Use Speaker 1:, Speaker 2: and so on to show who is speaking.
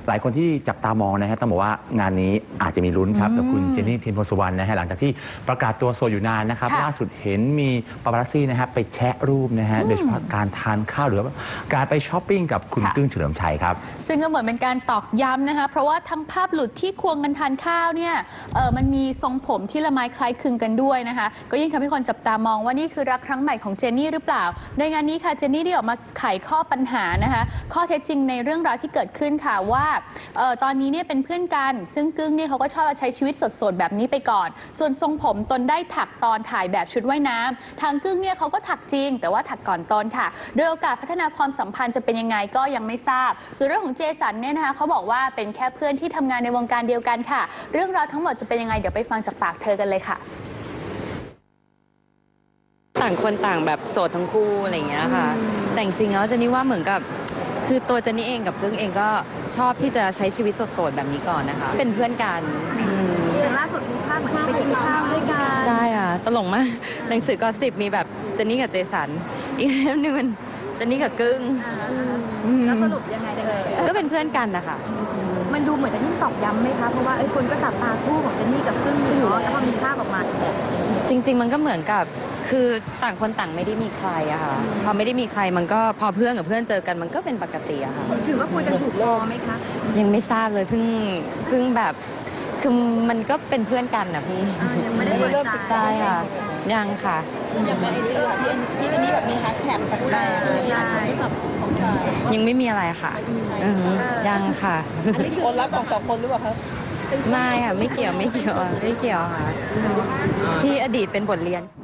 Speaker 1: หลายคนที่จับตามองนะฮะต้องบอกว่างานนี้อาจจะมีลุ้นครับกับคุณเจนนี่เทียนโพสุวรรณนะฮะหลังจากที่ประกาศตัวโสดอยู่นานนะครับล่าสุดเห็นมีปาปารัสซี่นะฮะไปแชะรูปนะฮะโดยเฉพาะการทานข้าวหรือว่าการไปช้อปปิ้งกับคุณกึ้งเฉลิมชัยครับ
Speaker 2: ซึ่งก็เหมือนเป็นการตอกย้ำนะคะเพราะว่าทั้งภาพหลุดที่ควงกันทานข้าวเนี่ยมันมีทรงผมที่ละไม้คล้ายคลึงกันด้วยนะคะก็ยิ่งทำให้คนจับตามองว่านี่คือรักครั้งใหม่ของเจนนี่หรือเปล่าโดยงานนี้ค่ะเจนนี่ได้ออกมาไขข้อปัญหานะคะข้อเท็จจริงในเรื่องราวที่เกิดขึ้นค่ะว่าตอนนี้เนี่ยเป็นเพื่อนกันซึ่งกึ้งเนี่ยเขาก็ชอบใช้ชีวิตสดๆแบบนี้ไปก่อนส่วนทรงผมตนได้ถักตอนถ่ายแบบชุดว่ายน้ำทางกึ้งเนี่ยเขาก็ถักจริงแต่ว่าถักก่อนตนค่ะโดยโอกาสพัฒนาความสัมพันธ์จะเป็นยังไงก็ยังไม่ทราบส่วนเรื่องของเจสันเนี่ยนะคะเขาบอกว่าเป็นแค่เพื่อนที่ทำงานในวงการเดียวกันค่ะเรื่องราวทั้งหมดจะเป็นยังไงเดี๋ยวไปฟังจากปากเธอกันเลยค่ะ
Speaker 3: ต่างคนต่างแบบโสดทั้งคู่อะไรอย่างเงี้ยค่ะแต่จริงๆแล้วเจนนี่ว่าเหมือนกับคือตัวเจนนี่เองกับเรื่องเองก็ชอบที่จะใช้ชีวิตโสดๆแบบนี้ก่อนนะคะเป็นเพื่อนกัน
Speaker 4: อย่างล่าสุดมีภาพเหมือนไปกินข้าวด้วยกัน
Speaker 3: ใช่ค่ะตลกมากหนังสือกอสิบมีแบบเจนนี่กับเจสันอีกเล่มนึงมันเจนนี่กับกึ้ง
Speaker 4: แล้วสรุปยังไง
Speaker 3: ก็เป็นเพื่อนกันนะคะ
Speaker 4: มันดูเหมือนจะยิ่งตอกย้ำไหมคะเพราะว่าคนก็จับตาคู่ของเจนนี่กับกึ้งอยู่เนาะแล้วพอมีภาพออกมา
Speaker 3: จริงๆมันก็เหมือนกับคือต่างคนต่างไม่ได้มีใครอะค่ะพอไม่ได้มีใครมันก็พอเพื่อนกับเพื่อนเจอกันมันก็เป็นปกติอะค่ะ
Speaker 4: ถือว่าคุยกันถูกคอไหมคะ
Speaker 3: ยังไม่ทราบเลยเพิ่งแบบคือมันก็เป็นเพื่อนกันนะพี่
Speaker 4: ยังไม่ได้เริ่มศึกษา
Speaker 3: ค่ะยังค่ะ
Speaker 4: อย่างในไอจีค่ะที่เจนนี่แบบมีแฮชแท็กแปลกๆใช่
Speaker 3: ยังไม่มีอะไรค่ะยังค่ะ
Speaker 4: คนรักของสองคนหรือเปล่าครับ
Speaker 3: ไม่ค่ะไม่เกี่ยวค่ะที่อดีตเป็นบทเรียน